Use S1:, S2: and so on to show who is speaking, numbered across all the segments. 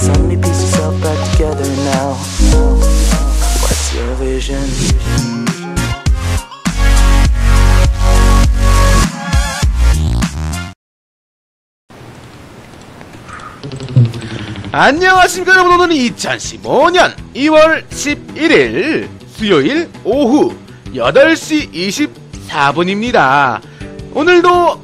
S1: so many pieces all back together now. What's your vision?
S2: 안녕하십니까 여러분. 오늘은 2015년 2월 11일 수요일 오후 8시 24분입니다. 오늘도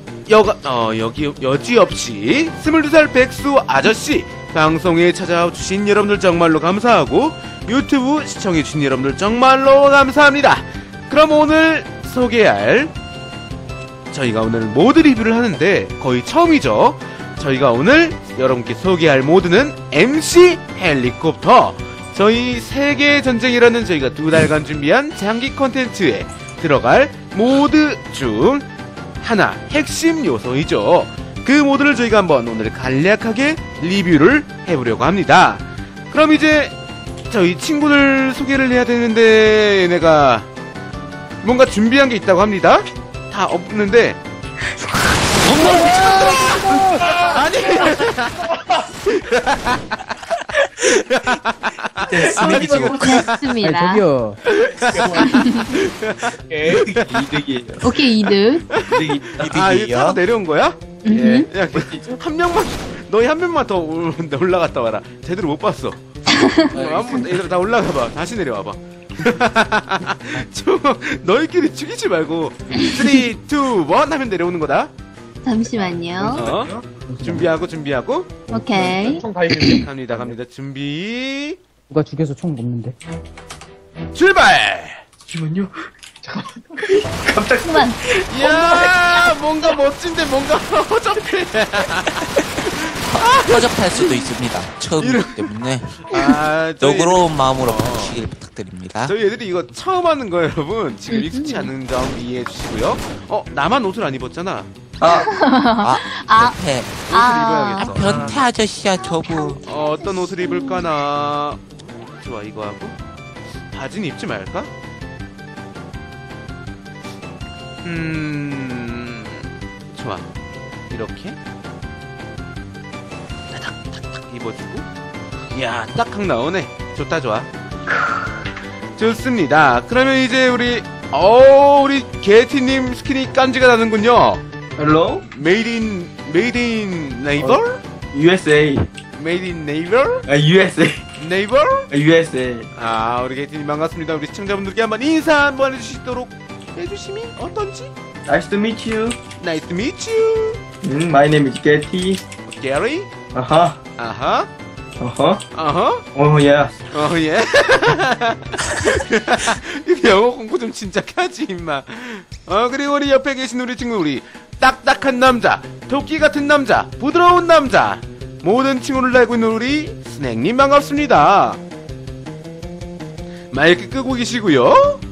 S2: 여지없이 22살 백수 아저씨 방송에 찾아주신 여러분들 정말로 감사하고 유튜브 시청해주신 여러분들 정말로 감사합니다. 그럼 오늘 소개할, 저희가 오늘 모드 리뷰를 하는데 거의 처음이죠. 저희가 오늘 여러분께 소개할 모드는 MC 헬리콥터. 저희 세계전쟁이라는 저희가 2달간 준비한 장기 콘텐츠에 들어갈 모드 중 하나, 핵심 요소이죠. 그 모드를 저희가 한번 오늘 간략하게 리뷰를 해보려고 합니다. 그럼 이제 저희 친구들 소개를 해야 되는데 얘네가 뭔가 준비한 게 있다고 합니다. 다 없는데 아니
S3: 됐습니다.
S4: 저기요.
S3: 이득이에요. 오케이, 이득.
S2: 아, 이거 타고 내려온 거야? 예. 야, 한 명만, 너희 한 명만 더 올라갔다 와라. 제대로 못 봤어. 한번 얘들아 다 올라가봐. 다시 내려와봐. 너희끼리 죽이지 말고 3, 2, 1 하면 내려오는 거다.
S3: 잠시만요.
S2: 준비하고
S3: 오케이.
S2: 갑니다. 준비.
S4: 누가 죽여서 총 먹는데?
S2: 출발.
S5: 잠시만요.
S3: 그만.
S2: 이야, 뭔가 멋진데 뭔가 허접해.
S5: 허접할 수도 있습니다. 처음이기 때문에 너그러운 마음으로 봐주시길 부탁드립니다.
S2: 저희 애들이 이거 처음 하는 거예요, 여러분. 지금 익숙치 않은 점 이해해 주시고요. 나만 옷을 안 입었잖아.
S5: 변태.
S2: 옷을 입어야겠어.
S5: 변태 아저씨야 저분.
S2: 어떤 옷을 입을까나. 좋아, 이거 하고 바지는 입지 말까? 좋아, 이렇게 탁탁탁 입어주고. 이야, 딱딱 나오네. 좋다, 좋아. 좋습니다. 그러면 이제 우리 게티님 스킨이 깐지가 나는군요.
S6: Hello?
S2: Made in neighbor?
S6: USA.
S2: Made in neighbor?
S6: USA.
S2: neighbor?
S6: USA.
S2: 우리 게티님 반갑습니다. 우리 시청자분들께 한번 인사 한번 해주시도록 해주시면 어떤지?
S6: Nice to meet you.
S2: Nice to meet you.
S6: My name is Getty.
S2: Gary?
S6: 아하.
S2: 아하.
S6: 어허.
S2: 아하.
S6: Oh yes.
S2: 예. 영어 공부 좀 진짜 하지 임마. 그리고 우리 옆에 계신 우리 친구, 우리 딱딱한 남자, 토끼 같은 남자, 부드러운 남자, 모든 친구를 알고 있는 우리 스낵님 반갑습니다. 마이크 끄고 계시고요.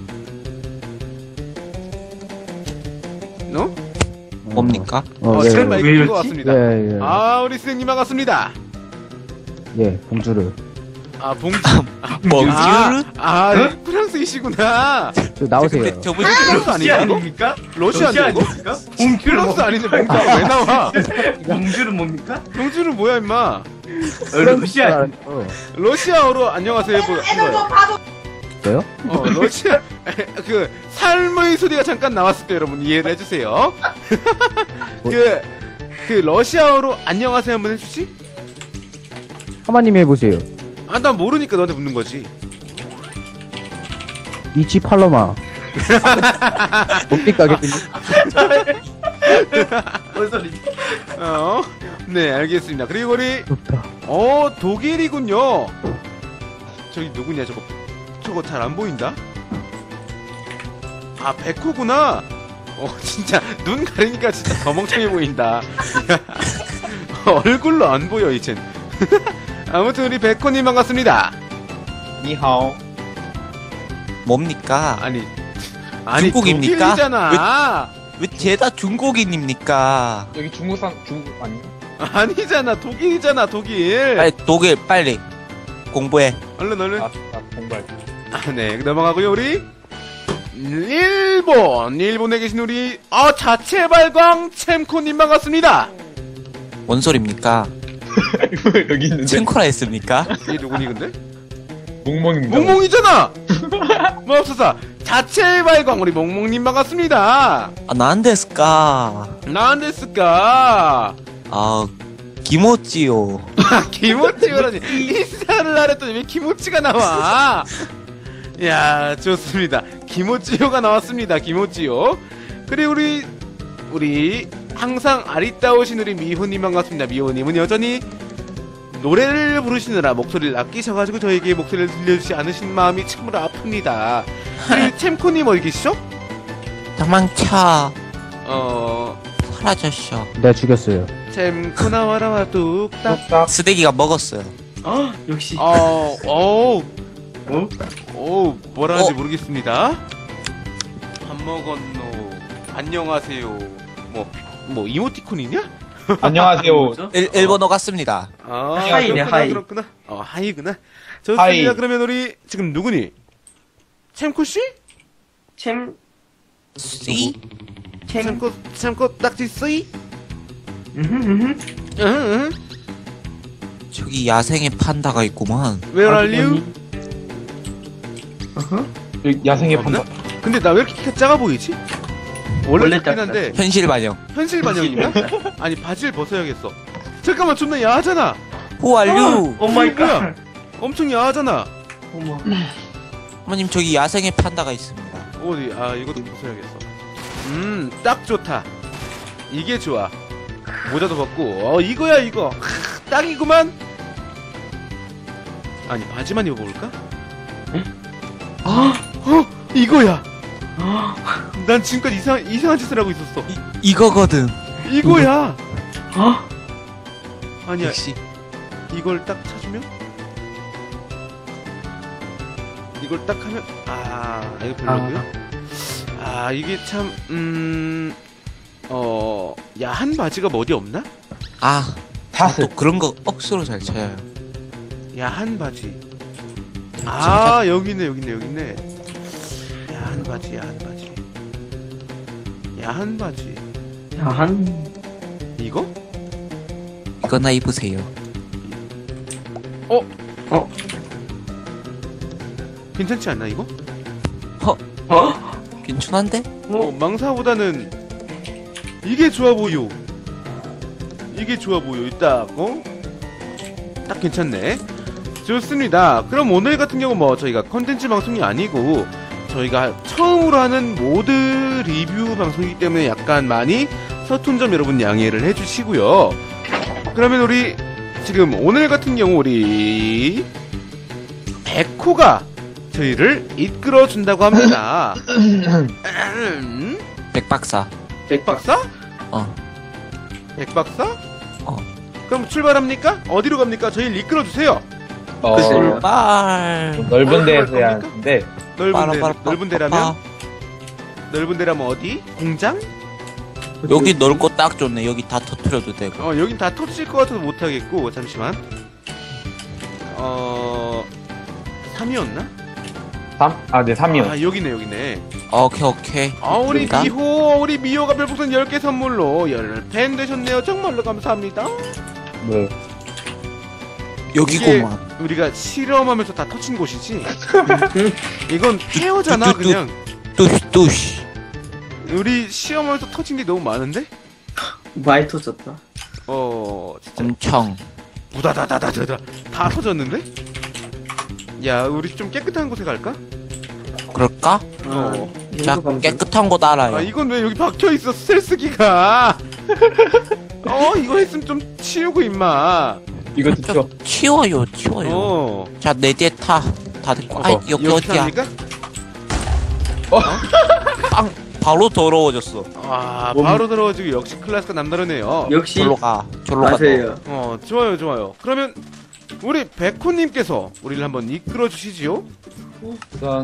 S5: 뭡니까?
S2: 제
S4: 예,
S2: 마이크
S6: 왜
S2: 끄고
S6: 이러지?
S2: 왔습니다.
S4: 예.
S2: 우리 스낵님 반갑습니다.
S4: 예, 봉주르.
S2: 봉주.
S5: 봉주르?
S2: 프랑스이시구나.
S4: 저 나오세요.
S5: 저분이
S2: 프랑스 아니야?
S6: 아닙니까?
S2: 러시아냐고?
S6: 아닙니까?
S2: 프랑스 아닌데 봉주가 왜 나와?
S6: 봉주는 뭡니까?
S2: 봉주는 뭐야 임마?
S6: 러시아.
S2: 러시아어로 안녕하세요 한 거예요.
S4: 저요?
S2: 러시아 그 삶의 소리가 잠깐 나왔을 때 여러분 이해를 해주세요. 그 러시아어로 안녕하세요 한번 해주지?
S4: 하마님 해보세요.
S2: 난 모르니까 너한테 묻는 거지.
S4: 이치 팔로마. 뭡니까, 개띠님?
S6: 뭔 소리지?
S2: 네, 알겠습니다. 그리고 우리
S4: 좋다.
S2: 독일이군요. 저기 누구냐 저거 잘 안 보인다. 백호구나. 진짜 눈 가리니까 진짜 더 멍청해 보인다. 얼굴로 안 보여 이젠. 아무튼 우리 백호님 반갑습니다.
S6: 니하오.
S5: 뭡니까?
S2: 아니
S5: 중국입니까?
S2: 독일이잖아.
S5: 왜 죄다 중국인입니까?
S7: 여기 중국 아니?
S2: 아니잖아, 독일이잖아, 독일.
S5: 빨리 독일 빨리 공부해.
S2: 얼른.
S7: 공부할.
S2: 네, 넘어가고요. 우리 일본에 계신 우리 자체 발광 챔코님 반갑습니다.
S5: 뭔 소리입니까?
S7: 여기 있는데.
S5: 챙코라 했습니까?
S2: 얘 누구니 근데?
S7: 몽몽입니다.
S2: 몽몽이잖아. 맙소사 자체 발광 우리 몽몽님 반갑습니다.
S5: 아, 난데스까?
S2: 나안됐을까?
S5: 아, 기모찌요.
S2: 기모찌라니 인사를 하랬더니 왜 기모찌가 나와? 야 좋습니다. 기모찌요가 나왔습니다. 기모찌요. 그리고 우리 항상 아리따우신 우리 미호님 반갑습니다. 미호님은 여전히 노래를 부르시느라 목소리를 아끼셔가지고 저에게 목소리를 들려주지 않으신 마음이 참으로 아픕니다. 그리고 챔코님 어디 계시죠?
S5: 도망쳐.
S2: 어
S5: 사라졌어.
S4: 내가 죽였어요.
S2: 챔코 나와라 뚝딱.
S6: 딱.
S5: 쓰레기가 먹었어요.
S6: 역시.
S2: 뭐라 하는지 모르겠습니다. 밥 먹었노. 안녕하세요. 뭐 이모티콘이냐?
S6: 안녕하세요.
S5: 일본어 같습니다.
S2: 아,
S6: 하이네,
S2: 그렇구나,
S6: 하이.
S2: 그렇구나. 하이구나. 좋습니다.
S6: 하이.
S2: 그러면 우리 지금 누구니? 챔코 씨?
S6: 챔.
S5: 씨?
S2: 챔코 딱지 쓰이?
S6: 음.
S2: 응.
S5: 저기 야생의 판다가 있구만.
S2: Where are you?
S6: 여기 야생의
S2: 없나?
S6: 판다.
S2: 근데 나 왜 이렇게 키가 작아 보이지? 원래
S6: 원래
S2: 작긴
S6: 작다.
S2: 한데
S5: 현실 반영.
S2: 현실 반영이냐? 아니 바지를 벗어야겠어. 잠깐만 존나 야하잖아.
S5: Who are you?
S6: 오 마이
S2: 이거 뭐야?
S6: 갓.
S2: 엄청 야하잖아.
S6: 어머.
S5: 어머님 저기 야생의 판다가 있습니다.
S2: 어디? 이것도 벗어야겠어. 딱 좋다. 이게 좋아. 모자도 벗고. 이거야 이거. 딱이구만. 아니 바지만 입어볼까? 이거야. 난 지금까지 이상한 짓을 하고 있었어.
S5: 이거거든.
S2: 이거야. 아니야.
S5: 역시.
S2: 이걸 딱 찾으면? 이걸 딱 하면 이거 별로고요. 이게 참 야한 바지가 뭐 어디 없나?
S5: 아,
S6: 다스.
S5: 또 그런 거 억수로 잘 쳐요.
S2: 야한 바지. 여기 있네. 야한 바지.
S6: 야한.
S2: 이거?
S5: 이거나 입으세요.
S2: 괜찮지 않나 이거?
S5: 괜찮은데?
S2: 망사보다는 이게 좋아 보여. 딱 괜찮네. 좋습니다. 그럼 오늘 같은 경우 저희가 컨텐츠 방송이 아니고 저희가 처음으로 하는 모드 리뷰 방송이기 때문에 약간 많이 서툰 점 여러분 양해를 해주시고요. 그러면 우리 지금 오늘 같은 경우 우리 백호가 저희를 이끌어준다고 합니다.
S5: 백박사.
S2: 백박사? 백박사? 그럼 출발합니까? 어디로 갑니까? 저희를 이끌어주세요.
S5: 출발.
S6: 넓은 데에서 해야
S2: 겁니까?
S6: 하는데.
S2: 넓은 데라면? 넓은 데라면 어디? 공장?
S5: 여기 넓고 딱 좋네. 여기 다 터트려도 되고.
S2: 여긴 다 터질 것 같아서 못하겠고, 잠시만. 3이었나?
S6: 3? 네, 3이요.
S2: 여기네.
S5: 오케이.
S2: 우리
S5: 그러니까?
S2: 우리 미호가 별풍선 10개 선물로 10팬 되셨네요. 정말로 감사합니다.
S6: 네.
S5: 여기구만.
S2: 우리가 실험하면서 다 터친 곳이지? 이건 케어잖아, 그냥.
S5: 뚜시.
S2: 우리 시험하면서 터진 게 너무 많은데?
S8: 많이 터졌다.
S2: 진짜.
S5: 엄청.
S2: 부다다다다다. 다 터졌는데? 야, 우리 좀 깨끗한 곳에 갈까?
S5: 그럴까? 자, 깨끗한 곳 알아요.
S2: 이건 왜 여기 박혀있어, 스텔스기가. 이거 했으면 좀 치우고, 임마.
S6: 이거 듣죠?
S5: 치워요. 자, 내 뒤에 타. 다들 여기 어디야?
S2: 합니까?
S5: 바로 더러워졌어.
S2: 바로 들어가지고 역시 클래스가 남다르네요.
S8: 역시
S5: 졸로 가.
S8: 맞아요.
S2: 좋아요. 그러면 우리 백호님께서 우리를 한번 이끌어 주시지요.
S6: 우선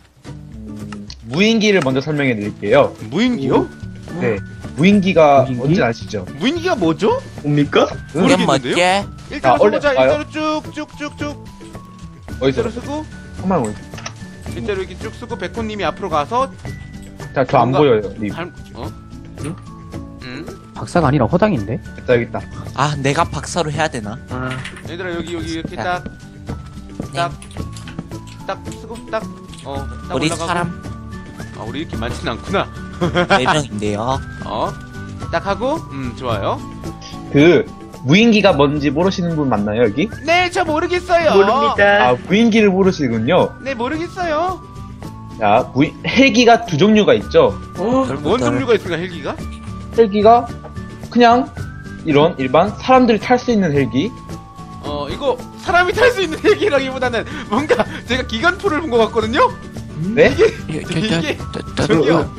S6: 무인기를 먼저 설명해 드릴게요.
S2: 무인기요?
S6: 네. 무인기가
S4: 무인기?
S6: 뭔지 아시죠?
S2: 무인기가 뭐죠?
S8: 뭡니까?
S5: 이건
S2: 모르겠는데요?
S5: 뭐지?
S2: 일자로
S6: 원래
S2: 서보자.
S6: 봐요.
S2: 일자로 쭉쭉쭉쭉.
S6: 어디서?
S2: 일자로 쓰고
S6: 한번 보여요.
S2: 일자로 이렇게 쭉 쓰고 백호님이 앞으로 가서
S6: 자, 저 안
S2: 뭔가-
S6: 보여요. 님.
S2: 응?
S4: 박사가 아니라 허당인데?
S6: 됐다, 여기 있다.
S5: 아, 내가 박사로 해야 되나?
S8: 아,
S2: 얘들아 여기 이렇게
S5: 자.
S2: 딱 쓰고 딱
S5: 우리
S2: 올라가고.
S5: 사람
S2: 아 우리 이렇게 많지는 않구나.
S5: 4명인데요.
S2: 딱 하고 좋아요.
S6: 그, 무인기가 뭔지 모르시는 분 맞나요, 여기?
S2: 네 저 모르겠어요.
S8: 모릅니다.
S6: 아, 무인기를 모르시군요.
S2: 네 모르겠어요.
S6: 자, 헬기가 두 종류가 있죠.
S2: 뭔 종류가 있을까 헬기가?
S6: 헬기가 그냥 이런 일반 사람들이 탈 수 있는 헬기.
S2: 이거 사람이 탈 수 있는 헬기라기보다는 뭔가 제가 기관포를 본 것 같거든요?
S6: 네?
S2: 이게 저기요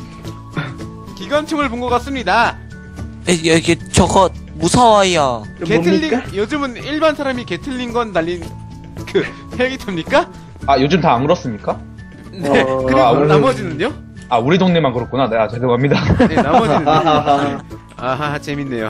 S2: 기관총을 본 것 같습니다.
S5: 여기 저거 무서워요.
S2: 게틀링
S8: 뭡니까?
S2: 요즘은 일반 사람이 게틀링 건 날린 그 헬기입니까?
S6: 아, 요즘 다 안 그렇습니까?
S2: 네.
S8: 어,
S2: 그리고
S6: 아,
S2: 나머지는요?
S6: 아, 우리 동네만 그렇구나. 네, 아, 죄송합니다.
S2: 네 나머지는
S8: 하하하.
S2: 아하 재밌네요.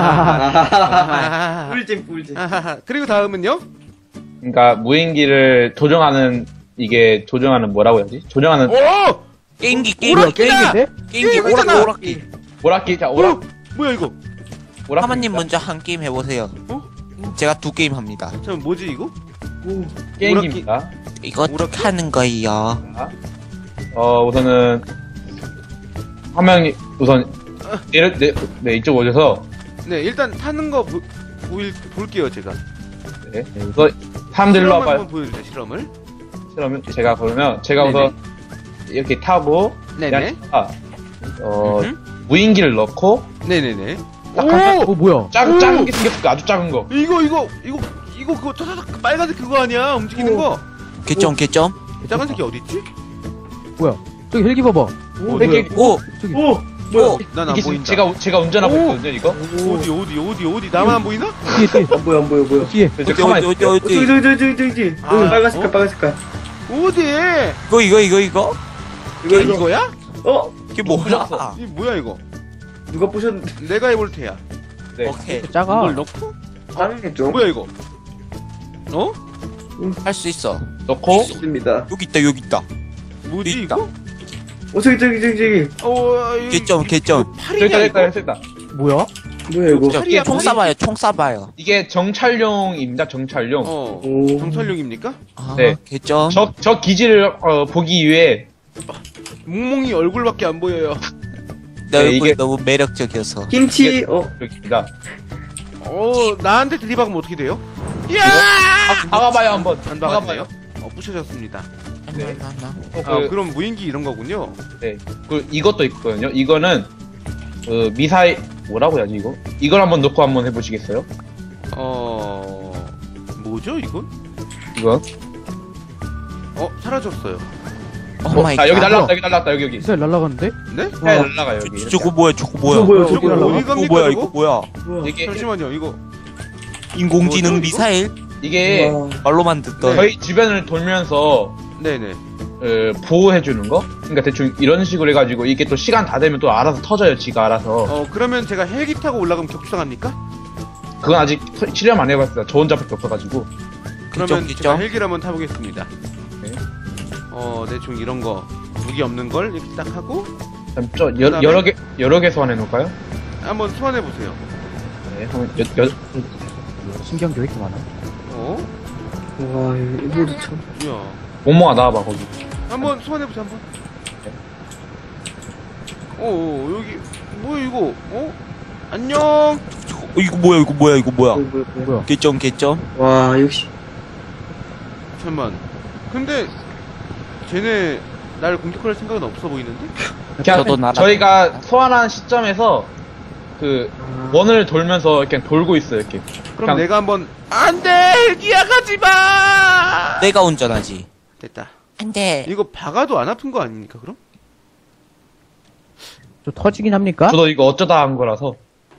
S2: 하하하.
S8: 꿀잼.
S2: 아하하. 그리고 다음은요?
S6: 그러니까 무인기를 조종하는 이게 조종하는 뭐라고 해야지? 조종하는
S2: 오!
S5: 게임기
S2: 오락기다!
S5: 게임기
S2: 게임이잖아!
S5: 오락기.
S6: 오락기. 자,
S2: 뭐야 이거?
S6: 오락기.
S5: 하마님 먼저 한 게임 해보세요. 제가 2게임 합니다.
S2: 잠깐 뭐지 이거?
S6: 게임기입니다.
S5: 이거 어떻게 하는 거예요?
S6: 우선은 한 명이 우선 네, 이쪽 오셔서
S2: 네 일단 타는 거 볼게요 제가.
S6: 네, 우선 사람들 일로
S2: 실험
S6: 와봐요.
S2: 한번 보여주세요 실험을.
S6: 그러면 제가 그러면 제가
S2: 네네.
S6: 우선 이렇게 타고
S2: 네네.
S6: 그냥 무인기를 넣고
S2: 네네네.
S6: 딱 하면
S4: 뭐야?
S6: 작은 게 생겼을까? 아주 작은 거.
S2: 이거 그거 타다닥 빨간색 그거 아니야 움직이는 거.
S5: 개점
S2: 작은 새끼 어디 있지?
S4: 뭐야? 저기 헬기 봐봐.
S6: 헬기
S5: 오!
S4: 저기.
S8: 오!
S5: 오!
S2: 난 안
S6: 이게
S2: 보인다.
S6: 제가 운전하고 있거든요, 이거.
S2: 어디 나만 안 보이나?
S4: 뒤에.
S8: 안 보여.
S4: 뒤에.
S6: 저 가만히 있어요.
S5: 어디
S8: 저기.
S2: 아,
S8: 빨간 색깔, 빨간 색깔.
S2: 어디?
S5: 이거
S2: 이거야?
S5: 이게 뭐야?
S2: 이 뭐야 이거?
S8: 누가 부셨는데?
S2: 내가 해볼 테야.
S6: 네.
S5: 오케이
S4: 작아.
S2: 이걸 넣고?
S8: 당했죠?
S2: 뭐야 이거?
S5: 할 수 있어.
S6: 넣고
S8: 있습니다.
S5: 여기 있다.
S2: 뭐지
S5: 있다.
S2: 이거?
S8: 저기.
S5: 개점.
S2: 팔이냐 이거?
S6: 됐다.
S4: 뭐야?
S8: 뭐야, 이거?
S2: 팔이야,
S5: 총
S2: 팔이?
S5: 쏴봐요.
S6: 이게 정찰용입니다, 정찰용.
S8: 오.
S2: 정찰용입니까?
S5: 아,
S6: 네.
S5: 개점.
S6: 저 기지를 보기 위해
S2: 몽몽이 얼굴밖에 안 보여요.
S5: 내
S6: 네,
S5: 얼굴이
S6: 이게-
S5: 너무 매력적이어서.
S8: 김치,
S6: 이렇게입니다.
S2: 나한테 들이박으면 어떻게 돼요? 이야!
S6: 박아봐요 한번.
S2: 안 박았네요. 부셔졌습니다.
S6: 네.
S2: 그럼 무인기 이런 거군요.
S6: 이것도 있거든요. 이거는 미사일 뭐라고 해야지 이거? 이걸 한번 넣고 한번 해보시겠어요?
S2: 뭐죠 이건?
S6: 이거?
S2: 사라졌어요.
S5: 오 마이 갓.
S6: 여기 날라왔다 여기.
S4: 미사일 날아가는데?
S2: 네?
S6: 네, 날라가요 여기.
S5: 저거 뭐야?
S8: 저거 뭐야,
S2: 저거
S4: 날라가?
S2: 어디 갑니까?
S5: 뭐야?
S2: 저거?
S5: 이거 뭐야?
S8: 뭐야.
S6: 이게
S2: 잠시만요 이거.
S5: 인공지능
S2: 뭐죠, 이거?
S5: 미사일?
S6: 이게
S8: 와.
S5: 말로만 듣던.
S6: 저희 주변을 돌면서
S2: 네네.
S6: 보호해주는 거? 그러니까 대충 이런 식으로 해가지고 이게 또 시간 다 되면 또 알아서 터져요, 지가 알아서.
S2: 그러면 제가 헬기 타고 올라가면 격수당합니까?
S6: 그건 아직 실험 안 해봤어요. 저 혼자밖에 없어가지고.
S2: 그러면
S5: 그쵸?
S2: 제가 헬기를 한번 타보겠습니다.
S6: 네.
S2: 대충 이런 거 무기 없는 걸 이렇게 딱 하고
S6: 그럼 여러 개 소환해놓을까요?
S2: 한번 소환해 보세요.
S6: 네, 한번
S4: 신경도 왜 이렇게 많아?
S8: 와, 이거도 참.
S2: 뭐야?
S6: 몽몽아 나와봐, 거기.
S2: 한번 소환해 보세요 한번. 여기 뭐야 이거? 안녕.
S5: 이거 뭐야?
S8: 뭐야.
S5: 개점.
S8: 와, 역시.
S2: 잠만. 근데 쟤네 날 공격할 생각은 없어 보이는데?
S6: 그냥
S5: 저도 날아-
S6: 저희가 소환한 시점에서 원을 돌면서 이렇게 돌고 있어요, 이렇게.
S2: 그럼
S6: 그냥-
S2: 내가 한번 안돼 헬기야 가지 마.
S5: 내가 운전하지.
S2: 됐다.
S5: 안돼.
S2: 이거 박아도 안 아픈 거 아닙니까 그럼?
S4: 저 터지긴 합니까?
S6: 저도 이거 어쩌다 한 거라서.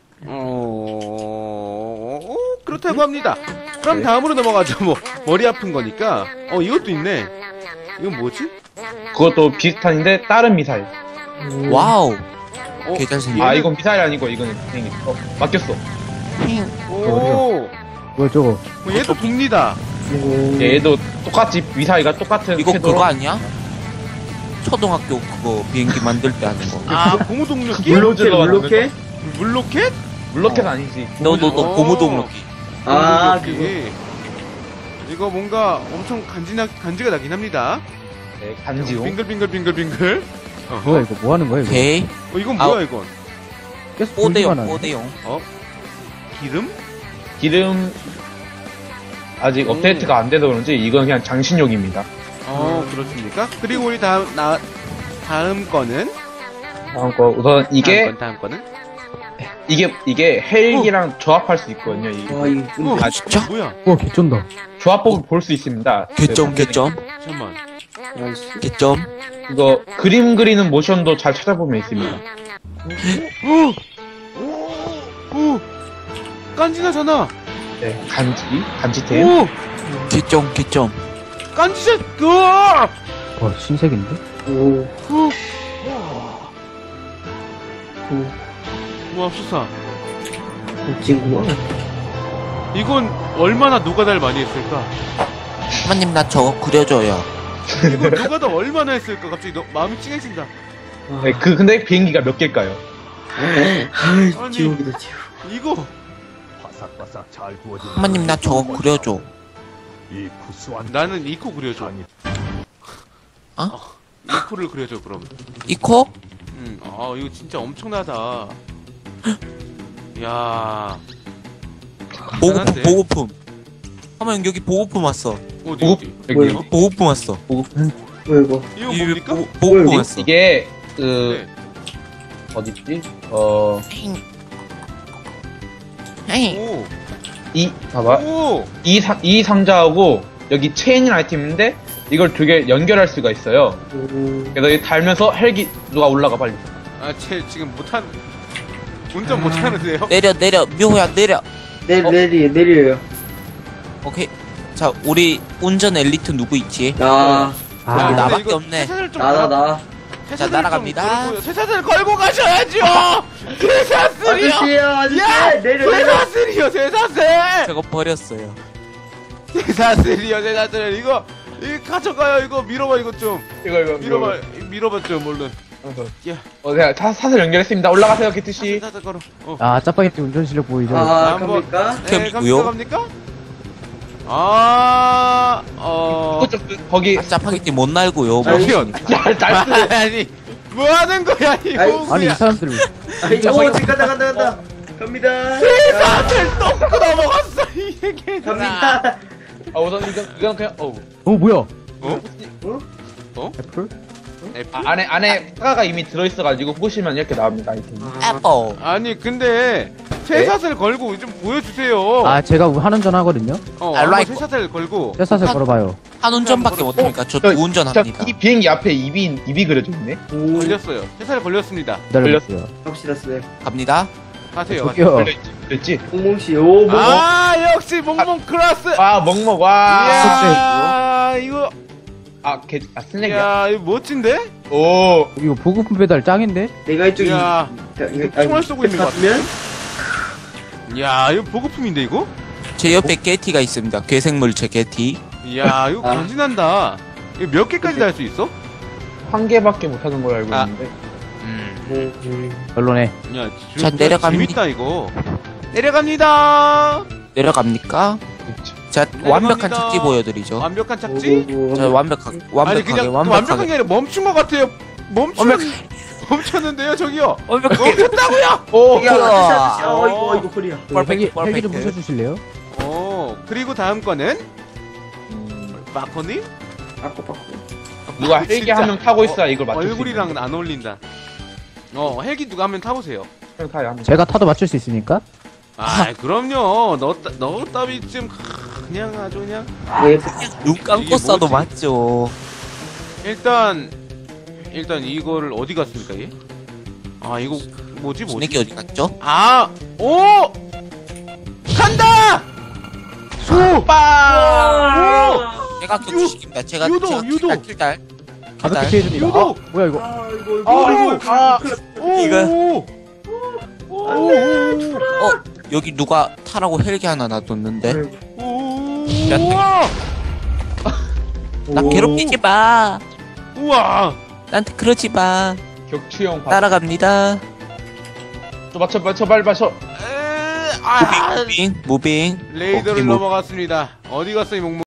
S2: 그렇다고 합니다. 그럼 다음으로 넘어가죠. 뭐 머리 아픈 거니까. 이것도 있네. 이건 뭐지?
S6: 그것도 비슷한데 다른 미사일.
S5: 와우.
S2: 어,
S5: 개잘생긴.
S6: 아, 이건 미사일 아니고 이거는 비행기. 맡겼어.
S2: 오,
S4: 뭐야 저거?
S2: 얘도 돕니다.
S6: 얘도 똑같이 미사일과 똑같은
S5: 이거
S6: 궤도로.
S5: 그거 아니야? 초등학교 그거 비행기 만들 때 하는 거.
S2: 고무동력기?
S6: 물로 질러
S8: 물로켓?
S2: 물로켓?
S6: 물로켓 아니지.
S5: 너 고무동로기.
S8: 아,
S2: 물로켓. 이거 뭔가 엄청 간지가 나긴 합니다.
S6: 네, 간지용.
S2: 빙글빙글.
S4: 뭐야 이거 뭐 하는 거야 이거?
S5: 오케이.
S2: 이건 뭐야 이건?
S4: 계속 돌기만 하네.
S5: 뽀대용.
S2: 기름?
S6: 기름 아직 업데이트가 안 돼서 그런지 이건 그냥 장신용입니다.
S2: 그렇습니까? 그리고 우리 다음 거는?
S6: 다음 거 우선 이게
S2: 다음 거는?
S6: 이게 헬기랑 조합할 수 있거든요. 이게.
S8: 와, 이거
S5: 아 진짜?
S2: 뭐야?
S4: 와 개쩐다.
S6: 조합법을 볼 수 있습니다.
S5: 개점.
S2: 잠깐만.
S8: 나이스.
S5: 개점.
S6: 이거 그림 그리는 모션도 잘 찾아보면 있습니다.
S2: 오! 깐지나잖아!
S6: 네, 간지템.
S2: 오!
S5: 개점.
S2: 깐지샷! 으아!
S4: 와 신세계인데?
S8: 오.
S2: 와, 수사.
S8: 친구야.
S2: 이건 얼마나 노가다를 많이 했을까?
S5: 하마님 나 저거 그려줘요.
S2: 이거 노가다 얼마나 했을까? 갑자기 마음이 찡해진다.
S6: 네, 근데 비행기가 몇 개일까요?
S2: 아니.
S8: 지옥이다, 지옥.
S2: 이거
S5: 하마님 나 저거 그려줘.
S2: 나는 이코 그려줘. 이코를 그려줘 그럼.
S5: 이코?
S2: 이거 진짜 엄청나다. 야. 대단한데?
S5: 보고품. 하마님 여기 보고품 왔어.
S2: 어디?
S6: 여기요?
S5: 보고품 왔어.
S8: 뭐야, 이거.
S2: 이거 뭡니까?
S5: 보고품
S8: 뭐야,
S5: 왔어.
S6: 이게
S2: 네.
S6: 어딨지?
S2: 오.
S6: 봐봐.
S2: 오.
S6: 이 상자하고 여기 체인이라는 아이템인데 이걸 두 개 연결할 수가 있어요. 그래서 이 달면서 헬기 누가 올라가 빨리.
S2: 쟤 지금 운전 못하는데요?
S5: 내려 묘호야 내려.
S8: 내려요.
S5: 오케이. 자 우리 운전 엘리트 누구 있지?
S8: 나.
S5: 아,
S2: 근데
S5: 나밖에
S2: 이거
S5: 없네.
S2: 세차를 좀
S8: 나.
S2: 세차를
S5: 자, 날아갑니다.
S2: 좀 걸고, 세차를 걸고 가셔야죠. 세사슬이요.
S8: 아저씨,
S2: 야,
S8: 내려.
S2: 세사슬이요, 세사슬.
S5: 저거 버렸어요.
S2: 세사슬 이거 가져가요. 이거 밀어봐 이거 좀.
S6: 이거
S2: 밀어봐 좀 얼른.
S6: 제가 사슬 연결했습니다. 올라가세요, 기트씨.
S2: 세사슬 걸어.
S4: 아 짜파게티 운전 실력 보이죠?
S2: 한번.
S8: 갑니까?
S2: 네,
S5: 뭐요?
S2: 갑니까?
S6: 거기
S5: 짜파게티 못 날고요.
S2: 저기요.
S6: 날스.
S2: 아니, 뭐 하는 거야 이 호구야.
S4: 아니 이 사람들
S8: 오, 지금 간다. 갑니다.
S2: 세사슬 똥 넘어갔어 이 얘기.
S8: 갑니다.
S6: 우선 이건 그냥
S4: 뭐야?
S2: 애플?
S6: 안에 사과가 이미 들어있어가지고 보시면 이렇게 나옵니다, 아이템.
S5: 애플.
S2: 아니 근데 세사슬 걸고 좀 보여주세요.
S4: 아 제가 한운전 하거든요.
S2: 한번 세사슬 걸고.
S4: 쇠사슬 걸어봐요.
S5: 한 운전밖에 못합니까? 저 두 운전합니다.
S6: 이 비행기 앞에 입이 그려져 있네.
S2: 걸렸어요. 세사슬 걸렸습니다.
S4: 기다려보세요.
S8: 갑시다, 스냅.
S5: 갑니다.
S2: 가세요.
S4: 저기요.
S6: 그랬지?
S8: 홍몽씨, 오, 뭐.
S2: 역시 몽몽 클라스.
S6: 먹먹, 와.
S2: 이야 이거.
S6: 스낵이야.
S2: 야 이거 멋진데?
S6: 오.
S4: 이거 보급품 배달 짱인데?
S8: 내가 이쪽이.
S2: 야 총알 쏘고 있는 것
S8: 같으면?
S2: 야 이거 보급품인데 이거?
S5: 제 옆에 게티가 있습니다. 괴생물체 게티.
S2: 이야 이거 간지난다. 이거 몇 개까지 달 수 있어?
S6: 한 개밖에 못 하는 걸로 알고
S2: 아.
S6: 있는데.
S4: 별로네.
S2: 야
S5: 자, 내려갑니다.
S2: 재밌다 이거. 내려갑니다.
S5: 내려갑니까? 자, 완벽한 착지 보여드리죠.
S2: 완벽한 착지?
S5: 자, 완벽하게
S2: 아니 그냥 완벽한 게 아니라 멈춘 것 같아요. 멈췄는데요 저기요. 멈췄다고요?
S6: 오.
S8: 야, 이거 허리야.
S4: 헬기 좀 부셔주실래요?
S2: 그리고 다음 거는 마코님?
S6: 누가 헬기 한 명 타고 있어야 이걸 맞출 수
S2: 얼굴이랑은 안 어울린다. 헬기 누가 한 명 타보세요.
S4: 제가 타도 맞출 수 있으니까?
S2: 그럼요. 너 따위쯤 그냥 아주 그냥.
S5: 눈 감고
S2: 이게
S5: 쏴도
S2: 뭐지?
S5: 맞죠.
S2: 일단 이거를 어디 갔습니까 얘? 이거 뭐지?
S5: 스낵이 어디 갔죠?
S2: 오! 간다! 소빠!
S5: 제가 격추시킵니다. 제가
S2: 유도!
S5: 킬달.
S4: 가볍게 해줍니다.
S2: 유도!
S4: 뭐야 이거?
S5: 여기 누가 타라고 헬기 하나 놔뒀는데. 나 괴롭히지 마.
S2: 우와!
S5: 나한테 그러지 마.
S6: 격추형
S5: 따라갑니다.
S6: 맞춰 빨리 맞춰.
S5: 무빙.
S2: 레이더를
S5: 오케이,
S2: 넘어갔습니다. 어디 갔어 이 몽몽?